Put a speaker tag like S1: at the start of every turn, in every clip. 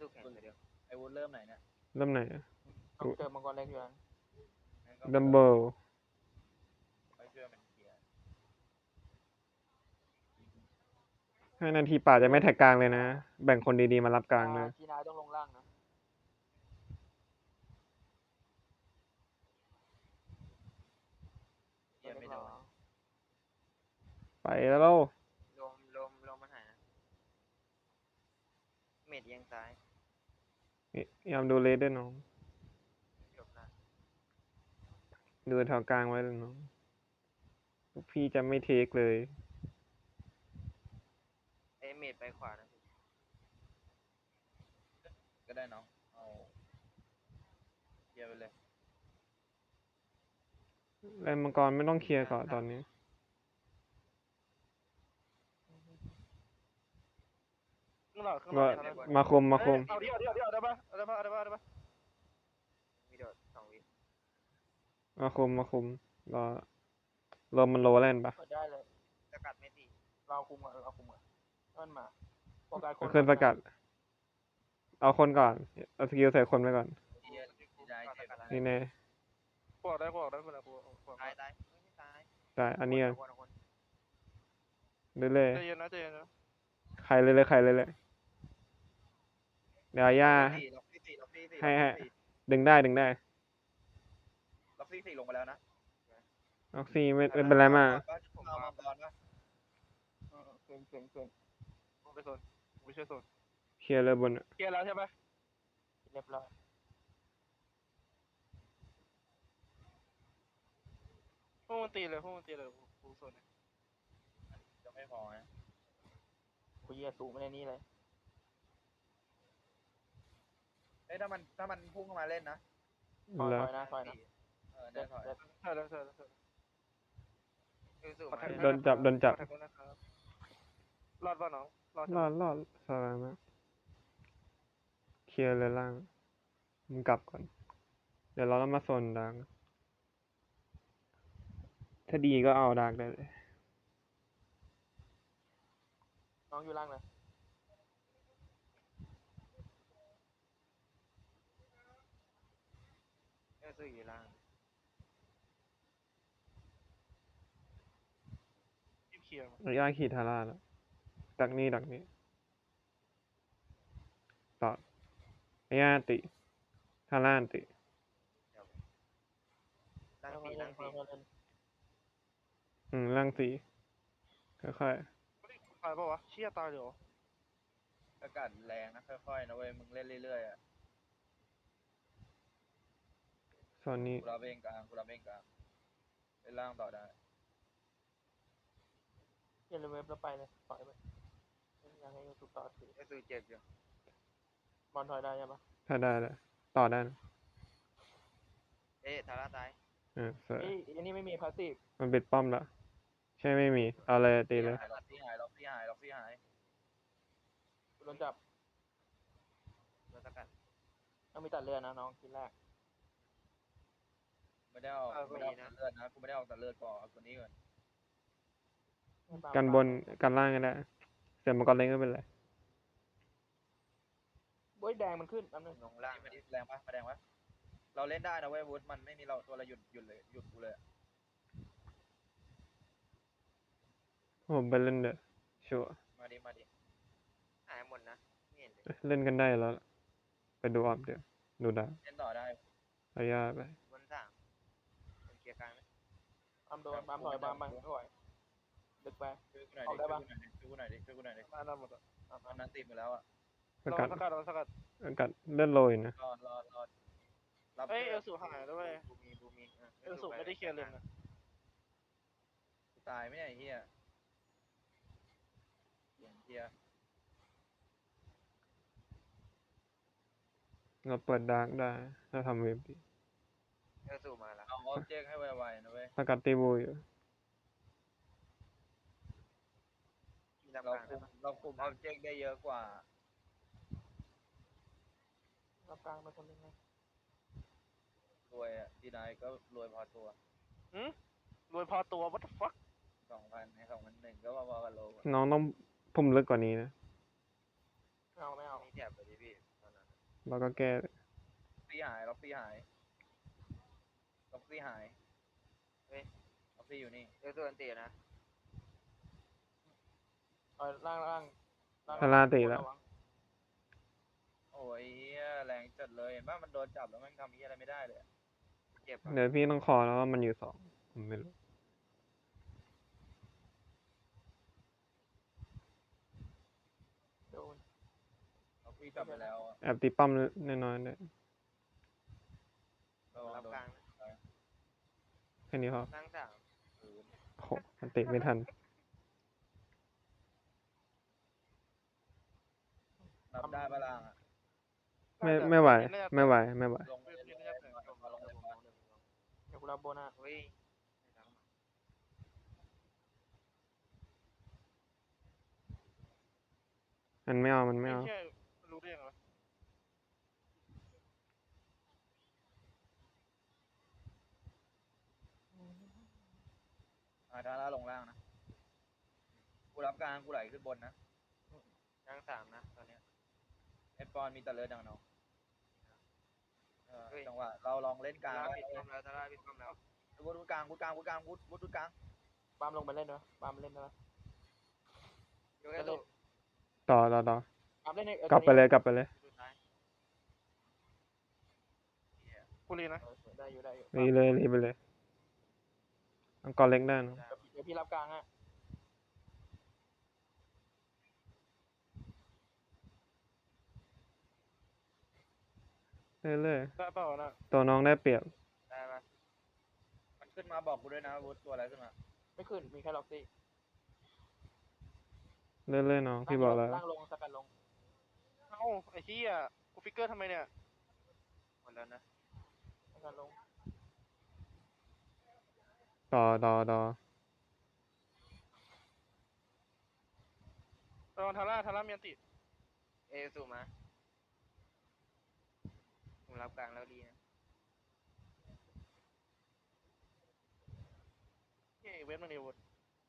S1: สู้แข่งไปเดียว
S2: ไอ้วุฒิเริ่มไหนเนี่ย
S3: เริ่มไหนอะ
S4: ต้องเจอมังกรเล็กอยู่แล้ว
S2: งั้นก็
S3: ดัมเบิล
S2: ไปช่วยมันเคลียร์
S3: 5 นาทีป่าจะไม่แท็กกลางเลยนะ แบ่งคนดีๆมารับกลางเลย
S4: จีนาต้องลงล่างนะ
S2: เคลียร์ไม่โดน
S3: ไปแล้ว
S1: ลมมันหายนะเมดเอียงซ้าย
S3: พยายามดูเลสด้วยน้อง
S1: จบละ
S3: ดูแถวกลางไว้เลยน้องพวกพี่จะไม่เทคเลย
S1: เมดไปขวานะพี่
S2: ก็ได้น้องเอาเคลียร์ไปเลย
S3: แลนมังกรไม่ต้องเคลียร์ก่อนตอนนี้
S5: ข้างหลังข้างห
S3: ก็
S5: ลัง
S3: มาคม
S5: เอาดิได้ปะได้ปะได้ปะได้ปะ
S1: มีโดด2 วิ
S3: มาคมรอมันโลแลนปะ
S4: เปิดได้เลย
S1: สกัดไม่ตี
S4: เราคุมก่อนนั่นมาโฟกัสคน
S3: ขึ้นประกาศเอาคนก่อนเอาสกิลใส่คนไปก่อน
S2: เคลียร์ที่ได้เจ็บ
S3: นี่แน่
S5: กูออกได้เวลากู
S1: ตายไม่ตาย
S3: ได้อันนี้
S1: คน
S3: เรื่อย
S5: ใจเย็นนะ
S3: ๆใครเลยเดี๋ยวย่า
S2: ล็อกซี่สี่
S3: ให้ดึงได้
S2: ล็อกซี่สี่ลงไปแล้วนะ
S3: ออกซี่ไม่เป็นไรมาก
S2: เอามังกรปะ
S4: เก่ง
S5: กูไปโซนกูช่วยโซน
S3: เคลียร์เลยบนอะ
S5: เคลียร์แล้วใช่ปะ
S4: เรียบร้อย
S5: พวกมันตีเลยกูโซน
S2: จะไม่พอนะ
S4: คุยสูงไม่ในนี้เลย
S2: เอ้ยถ้ามันพุ่งเข้ามาเล่นนะ
S4: คอย
S3: แล้ว
S4: นะ
S2: ได้ถอย
S5: ใช่แล้ว
S1: สู้มา
S3: โดนจับ
S5: รอดป่ะน้อง
S3: รอดสบายมากเคลียร์เลยล่างมึงกลับก่อน เดี๋ยวเราต้องมาโซนดังถ้าดีก็เอาดักได้เลย
S4: น้องอยู่ล่างเลย
S1: สู้อยู่ล่าง
S5: เคลียร์
S3: ย่าขี่ทาร่าแล้วดักนี่ต่อย่าติทาร่าติ
S1: ล่างสี่
S3: ล่างสีค่อย
S5: ตายป่ะวะเชี่ยตายเดี๋ยว
S2: อากาศแรงนะค่อยๆนะเว้ยมึงเล่นเรื่อยๆอ่ะ
S3: ๆโซนนี้
S2: กูรับเองกลางเล่นล่างต่อได้
S4: อย่าลืมเว็บแล้วไปเลยถอยไปยังให้ถูกต่อถือ
S1: สู้เจ็บอยู่
S4: บอลถอยได้ใช่ปะ
S3: ถ้าได้แล้วต่อได้นะ
S1: ทาร่าตาย
S3: สวย
S4: อันนี้ไม่มีพาสซีฟ
S3: มันปิดป้อมแล้วใช่ไม่มีเอาเลยตีเลย
S2: ล็อกซี่หาย
S4: โดนจับ
S1: โดนสกัด
S4: ต้องมีตัดเลือดนะน้องทีแรก
S2: ไม่ได้ออกแต่เลือดนะกูไม่ได้ออกแต่เลือดก่อนเอาตัวนี้ก่อน
S3: กันบนกันล่างก็ได้เสียมังกรเล็กก็เป็นไร
S4: โอ้ยแดงมันขึ้นแป๊บนึง
S1: ลงล่าง
S2: มาแรงปะเราเล่นได้นะเว้ยวุฒิมันไม่มีเราตัวเราหยุดกูเลย
S3: ผมไปเล่นเด้อชัวร์
S2: มาดิ
S1: หายหมดนะไม่เห็นเลย
S3: เล่นกันได้แล้วล่ะไปดูออฟเดี๋ยวดูดาว
S2: เล่นต่อได้
S3: เอาย่าไป
S1: บน3เป็นเคลียร์กลางไหม
S4: ปั๊มโดนปั๊มถอยปั๊มไปถอยดึกไป
S2: ช่วยกูหน่อยดิ
S5: ตายหมดอ่ะ
S2: ตอนนั้นตีมือแล้วอ่ะ
S3: สกัด
S5: สกัด
S3: เลื่อนโรยนะ
S2: รอรับ
S5: เอ้ยเอลสูหายด้วย
S1: บูมี
S5: เอลสูไม่ได้เคลียร์เลยนะ
S2: ตายไม่ใช่เฮียเฮีย
S3: เราเปิดดาร์กได้ถ้าทำเว็บดี
S1: สู้มาแล้ว
S2: เอาออบเจกต์ให้ไวๆนะเว้ย
S3: สกัดตีบูอยู่
S1: มีลำ
S2: เรา
S1: กลาง
S2: เราคุมออบเจกต์ได้เยอะกว่า
S4: รับกลางไปคนนึงนะ
S2: รวยอ่ะทีนายก็รวยพอตัว
S5: รวยพอตัว what the fuck
S2: 2,000 ใน2,100ก็พอๆกับโล
S3: น้องต้องพุ่มลึกกว่านี้นะ
S4: ไม่เอา
S1: มีแจ็บไปดิพี่ตอนนั้น
S3: เราก็แก้
S2: ซี่หายล็อกซี่หายล็อกซี่หาย
S1: เฮ้ย
S2: ล็อกซี่อยู่นี่
S1: เอลตัวอันตีนะ
S4: เอาล่าง
S3: ทาร่าตีแล้ว
S4: ระง
S2: โอ้ยเหี้ยแรงจัดเลยเห็นป่ะมันโดนจับแล้วมันทำเหี้ยอะไรไม่ได้เลยอะ
S1: เจ็บอ่ะ
S3: เดี๋ยวพี่ต้องคอแล้วว่ามันอยู่สองผมไม่รู้
S4: โดน
S2: ล็อกซี่จับไปแล้วอะ
S3: แอบตีป้อมน้อยๆเนี่ย
S2: ระวัง
S1: รับ
S2: โดน
S1: กลาง
S3: แค่นี้พอ
S1: นั่งสาม
S3: โอ้โหมันติไม่ทัน
S2: นับได้ปะล่างอะ
S3: ไม่ไหว
S5: น่าจะ
S3: ไม่ไหวไม่ไหว
S2: ลงเลยลงเลยลงมาลงเลยมา
S4: เดี๋ยวกูรับโบนัส
S1: เฮ้ย
S3: มันไม่เอามันไม่
S5: ไม่
S3: เอา
S5: ใช่รู้ได้ยังไงวะ
S2: ทาร่าลงล่างนะกูรับกลางกูไหลขึ้นบนนะ
S1: นั่งสามนะตอนเนี้ย
S2: ไอปอนมีแต่เลือดดังเนาะ
S1: เฮ้ย
S2: จังหวะเราลองเล่นกลาง
S1: ตา
S2: แล้ว
S1: ปิดป้อมแล้วตาปิดป้อมแล้ว
S2: วุดกลางวุดกลางวุดกลางวุดวุดกลาง
S4: ปาล์มลงไปเล่นด้วยปาล์มเล่นด้วย
S1: ยกเอลตัว
S3: ต่อ
S4: ปาล์มเล่นใน
S3: กลับไปเลยกลับไปเลย
S1: สุดท้าย
S5: กูรีนะ
S4: ได้อยู่
S3: รีเลยรีไปเลยอังกอร์เล็กได้นะ
S4: เดี๋ยวพี่รับกลางฮะ
S3: เรื่อย
S5: ได้เปล่านะ
S3: ๆตัวน้องได้เปรียบ
S1: ได้ปะ
S2: มันขึ้นมาบอกกูด้วยนะวุดตัวอะไรขึ้นมา
S4: ไม่ขึ้นมีแค่ล็อกซี่
S3: เรื่อยๆน้องพี่บอกแล้ว
S4: ล่างลงสกัดลง
S5: เอ้าไอ้เหี้ยกูฟิกเกอร์ทำไมเนี่ย
S1: หมดแล้วนะ
S4: สกัดลง
S3: ต่อ
S5: ระวังทาร่ามีอันติ
S1: เอลสูมาผมรับกลางแล้วดีนะ
S5: เฮ้ยเวทมันนี่วุฒ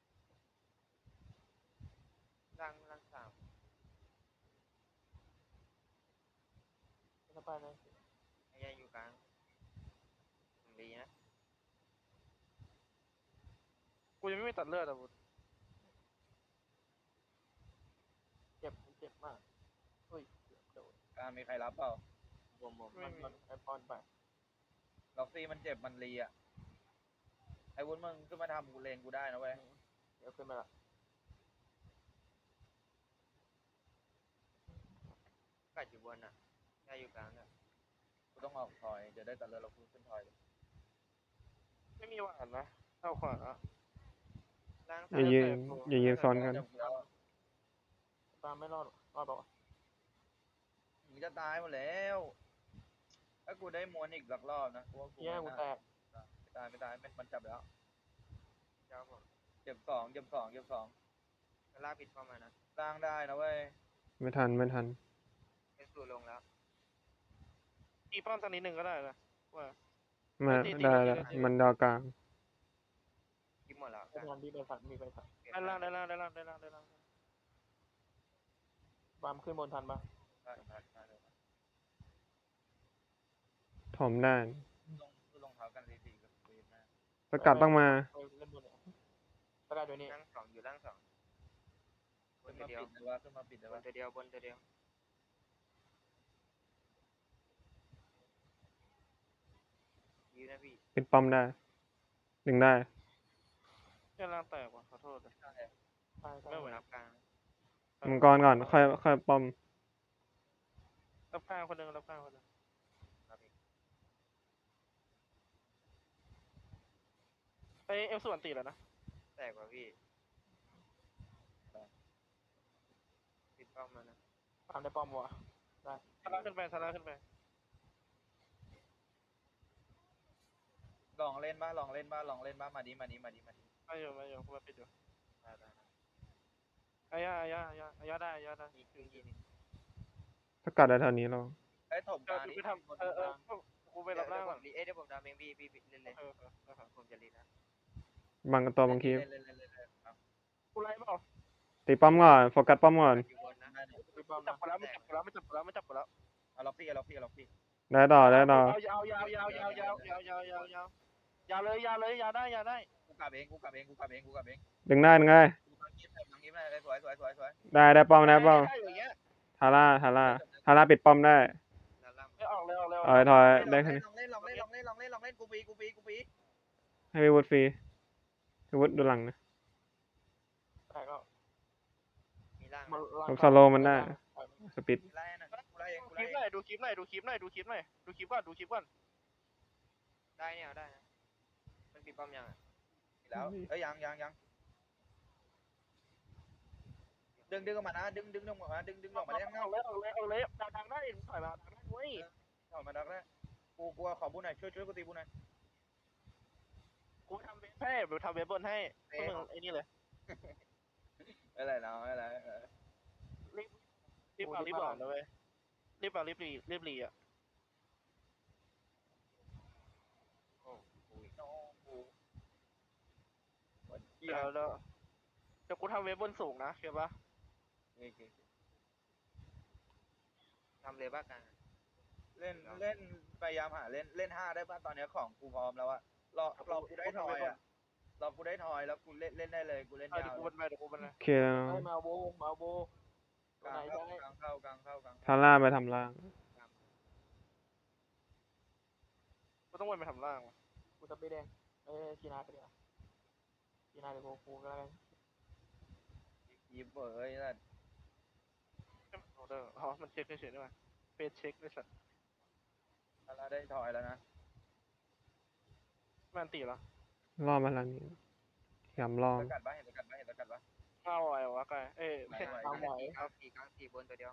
S1: นั่งสาม
S4: สไปเลย
S1: ไอ้ยังอยู่กลางผมดีนะ
S5: กูยังไม่มีตัดเลือดอ่ะวุฒ
S4: เจ็บมากเฮ้ยโดน
S2: กลางมีใครรับเปล่า
S1: ผม
S4: มันไอปอนไป
S2: ล็อกซี่มันเจ็บมันรีอ่ะไอ้วุ้นมึงขึ้นมาทำกูเลนกูได้นะเว้ย
S4: เดี๋ยวขึ้นมาละ
S1: กัดอยู่บนอ่ะได้อยู่กลางเนี่ย
S2: กูต้องออกถอยเดี๋ยวได้ตัดเลือดเรากูขึ้นถอยเลย
S5: ไม่มีหวานนะเอาขวา
S1: นั่ง
S3: อ
S1: สาม
S3: ย่ายืนอย่ายืนซ้อนกัน
S2: เดี๋ยวกูแล้ว
S4: ปาล์มไม่รอดบอก
S2: มึงจะตายหมดแล้วถ้ากูได้ม้วนอีกสักรอบนะกูว่ากู
S4: เฮียกู
S2: ไม่
S4: แต
S2: น่าก ไม่ตายมันจับแล้ว
S1: เจ้าผม
S2: เจ็บสอง
S1: ตาปิดป้อมมานะ
S2: สร้างได้นะเว้ย
S3: ไม่ทัน
S1: เอลสูลงแล้ว
S5: อีป้อมตอนนี้หนึ่งก็ได้นะว่า
S3: มา
S5: ตี
S3: ได้
S5: ตี
S3: แล้ว
S5: ตี
S3: มันดาวกลาง
S1: กินหมดแล้ว
S4: ไม่ทันพี่ไปผัดมีไปผัด
S5: ได้ล่าง
S4: ปาล์มขึ้นบนทันปะ
S2: ได้เลย
S3: ถมได้
S2: ลงเท้ากันรีๆกับเวฟนะ
S3: สกัดต้องมา
S4: เล่นบนเนี่ยสกัดอยู่นี่
S1: นั่งสองอยู่ล่างสองบ
S2: ขึ้
S1: น
S2: น
S1: ตัว
S2: มา
S1: เดียว
S2: ปิดเลยว่าขึ้นมาปิดเลย
S1: บน
S2: ว่า
S1: ตัวเดียวบนตัวเดียวยืนนะพี่
S3: ปิดป้อมได้ ดึงได้
S5: แค่ล่างแตกว่ะขอโทษเลย
S4: ใช่
S5: ไม่ไหว
S1: รับกลาง
S3: มังกรก่อน ค่อยป้อม
S5: รับกลางคนหนึ่ง
S1: รับอีก
S5: ไอเอลส่วนตีแล้วนะ
S1: แตกว่าพี่ปิดป้อมมานะ
S4: ปาล์มได้ป้อมวะ
S5: ทาร่าขึ้นไป
S2: ลองเล่นบ้ามาดิ
S5: มาอยู่กูมาปิดอยู่
S1: ได้ได้
S5: อายาได้
S1: อีกทีนึง
S3: สกัดได้เท่านี้เรา
S2: ไอ้ถมก
S5: เดี๋ยว
S2: ลาง
S5: กู
S2: นี่
S5: ไปทำกูไปรับล่างก่อน
S1: เดี๋ยวผมทำเองพี่เล่นเลย ผมจะรีนะ
S3: บางตัวบางที
S2: เล่น
S5: กูไล่เปล่า
S3: ตีป้อมก่อน โฟกัสป้อมก่อน
S1: อยู่บนนะ
S5: กู
S4: บอม
S5: จับ
S4: นะ
S5: กูแล้วไม่จับกูแล้ว
S2: เอาล็อกพี่เอาล็อกพี่เอาล็อกพี่
S3: ได้ต่อได้ต่อ
S5: ยาวยาวยาวยาวยาวยาวยาวยาวยาวยาวเลยยาวเลยยาวได้
S2: กูกลับเองกูกลับเองกูกลับเองกูกลับเอง
S3: ดึงได้ดึงได้
S2: กูกลับยิ้มเลยยิ้มเลยสวยสวยสวยสวย
S3: ได้ป้อมได้ป้อม
S5: ได้อย่างเงี้ย
S3: ทาร่าปิดป้อมได้
S1: ด้านล่าง
S5: ไม่ออกเลยออกเลย
S3: ถอย
S2: ล
S3: ได้
S2: อง
S3: แค่
S2: เล่น
S3: นี้
S2: ลองเล่นลองเล่นลองเล่นลองเล่นลองเล่นกูปีกูปีกูปี
S3: ให้พี่วุฒิฟรีพี่วุฒิดูหลังนะ
S4: แต่ก็
S1: มีล่าง
S4: มัน
S3: ผมสโลว์มันได้สปีด
S2: ไล่นะกูไล่เองกู
S5: คลิ
S2: ไล่
S5: ป
S2: เอง
S5: หน่อยดูคลิปหน่อยดูคลิปหน่อยดูคลิปหน่อยดูคลิปก่อนดูคลิปก่อน
S1: ได้เนี่ยเอาได้นะมันปิดป้อมยังอ่ะ
S2: แล้วเอ้ยยังดึงออกมานะดึงออกมาดึงออกมาได้ข้างนอก
S5: เอาเลยดังได้ถอยมาดังได้เว้ย
S2: ออกมาดักได้กูขอบุญหน่อยช่วยกูตีบุญหน่อย
S5: กูทำเว็บให้กูทำเว็บบนให้พวกมึงไอ้นี่เลย
S2: อะไรเนาะอะไร
S5: รีบเอานะเว้ยรีบเอารีบรีอ่ะ เดี๋ยวกูทำเว็บบนสูงนะเข้าปะ
S1: ทำเลยบ้ากลาง
S2: เล่นพยายามหาเล่น5ได้ป่ะตอนนี้ของกูพร้อมแล้วอะรอกูได้ทอยอะรอกูได้ทอยแล้วกูเล่นได้เลยกูเล่น
S5: เดี๋
S2: ยา
S5: ยว
S2: ว
S5: กูบนไปเดี๋ยวกูบนไป
S3: โอเคแล้ว
S4: ให้มาโบตัวไหนใช่
S2: กลางเข้า
S3: ทาร่าไปทำล่าง
S5: กูต้องวนไปทำล่างวะ
S4: กูจะไปแดงชีนาไปเดี๋ยวชีนาเดี๋ยวกูก็แล้วกัน
S2: ยิ้มเอ้ยนั่น
S5: อ๋อมันเช็คเฉยๆด้วยเฟซเช็คด้วยสัตว์
S2: เราได้ทอยแล้วนะ
S5: มันตีเหรอ
S3: ล่อมาทางนี้ยำล่อม
S2: เห็นตะกัดปะ
S5: เข้าอะไรวะกายไม่
S4: ทำไหว
S1: กลางสี่บนตัวเดียว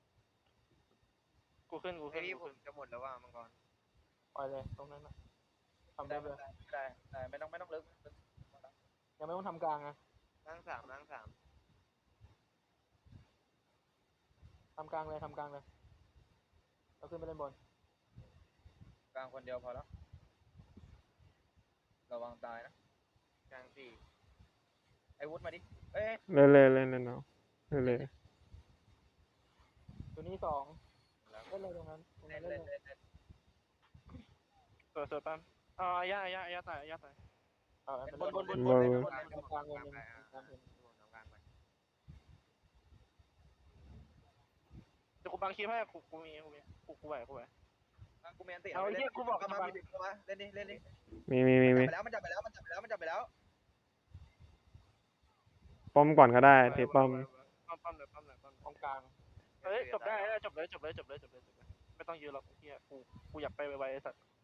S5: กูขึ้น
S1: ไอพี่ผมจะหมดแล้วว่ามังกร
S4: ปล่อยเลยตรงนั้นนะทำ
S2: ได้
S4: ได้เลย
S2: ไม่ต้องลึก
S4: ยังไม่ต้องทำกลางนะ
S1: ล่างสาม
S4: ทำกลางเลยเราขึ้นไปเล่นบน
S2: กลางคนเดียวพอแล้วระวังตายนะ
S1: กลางสี่
S2: ไอ้วุฒิมาดิเอ้ย
S3: เล่นเอาเล่น
S4: ตัวนี้2เล่นเลยตรงนั้นเล่นเลย
S5: สวยปั้มย่าตาย
S2: บน
S4: กลางเลยนึงกลางเลย
S1: กลางไป
S5: เดี๋ยวกูบังคลิปให้กูมีกูไหว
S2: กูเมียนติ
S5: เอาเฮียกูบอก
S2: มา
S5: บัง
S2: เล่นดิ
S3: มี
S2: มันจับไปแล้ว
S3: ป้อมก่อนก็ได้ตีป้อม
S5: ปั้มเลย
S4: ตรงกลาง
S5: เฮ้ยจบได้จบเลยไม่ต้องยืนหรอกเฮียกูอยากไปไวๆไอ้สัตว์